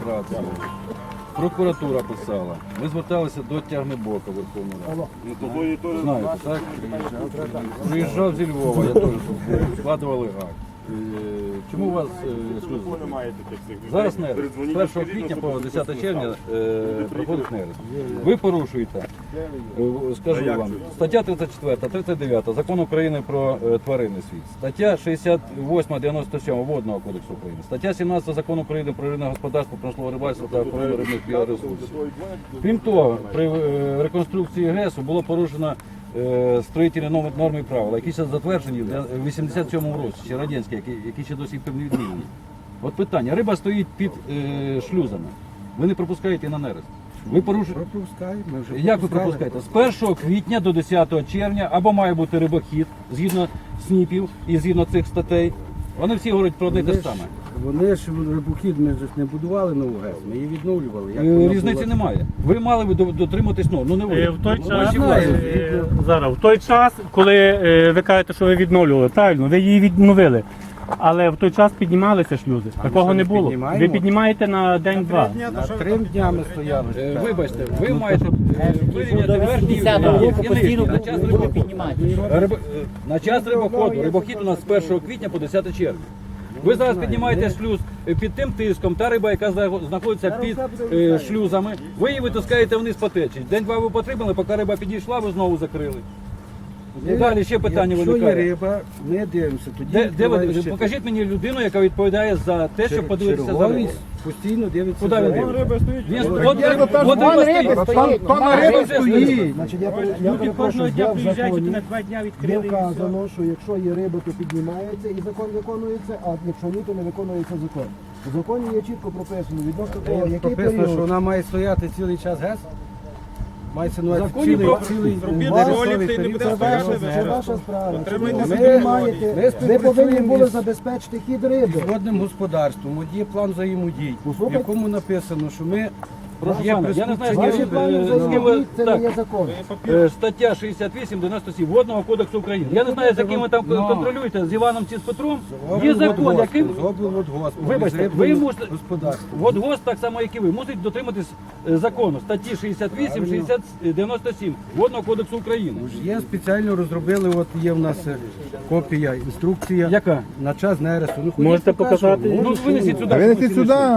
адміністрація, прокуратура писала. Ми зверталися до Тягнебока Верховної Ради. Знаєте, так? Приїжджав зі Львова, я теж тут був, складували акт. Чому у вас шлюз? Зараз нерест. З 1 квітня по 10 червня проходить нерест. Ви порушуєте, скажу вам, стаття 34, 39 Закону України про тваринний світ, стаття 68, 97 Водного кодексу України, стаття 17 Закону України про рибне господарство, промислове рибальство та охорону рибних біоресурсів. Крім того, при реконструкції ГЕСу було порушено строїтельні норми і правила, які ще затверджені в 87-му році, ще радянські, які ще досі не відмінені. От питання, риба стоїть під шлюзами, ви не пропускаєте на нерест. Ви порушуєте? Пропускаємо. Як ви пропускаєте? З 1 квітня до 10 червня або має бути рибохід, згідно СНІПів і згідно цих статей. Вони всі говорять про одне те саме. Вони ж рибохід ми ж не будували нову ГЕС, ми її відновлювали. Різниці немає. Ви мали би дотриматись норм, ну не ви. В той час, зараз, в той час, коли ви кажете, що ви відновлювали, правильно, ви її відновили. Але в той час піднімалися шлюзи. Такого не було. Ви піднімаєте на день-два. На 3 дня ми стояли. Вибачте, ви маєте вирівняти верхній і нижній на час рибоходу. На час рибоходу. Рибохід у нас з 1 квітня по 10 червня. Ви зараз піднімаєте шлюз під тим тиском, та риба, яка знаходиться під шлюзами, ви її витискаєте вниз по течії. День-два ви потримали, поки риба підійшла, ви знову закрили. І далі ще питання виникає. Якщо є риба, ми дивимося. Тоді Покажіть мені людину, яка відповідає за те, щоб подивитися за рибою. Постійно дивиться. Куди він дивиться? Риба стоїть. Значить, я Кожного дня в приїжджають, законі на 2 дня є відкрили. вказано, що якщо є риба, то піднімається і закон виконується, а якщо ні, то не виконується закон. У законі є чітко прописано відносно того, який Прописано, що період. вона має стояти цілий час ГЕС. Мається на увазі Законі цілий період. Це ваша справа. Ми Ви повинні були співпрацюємо забезпечити хід риби. з водним господарством. От є план взаємодій, в Послухайте. якому написано, що ми Прошу є пана, я не знаю, Ваші плани взаємодії – це не є так, закон. стаття 68-97 Водного кодексу України. Я не знаю, з яким ви там контролюєте, з Іваном чи з Петром. Є закон, яким... Вибачте, ви мусите... Водгосп, так само, як і ви, мусить дотриматись закону, статті 68-97 Водного кодексу України. Є спеціально розробили, от є в нас копія, інструкція. Яка? На час нересту. Можете показати? Ну, винесіть сюди. Винесіть сюди.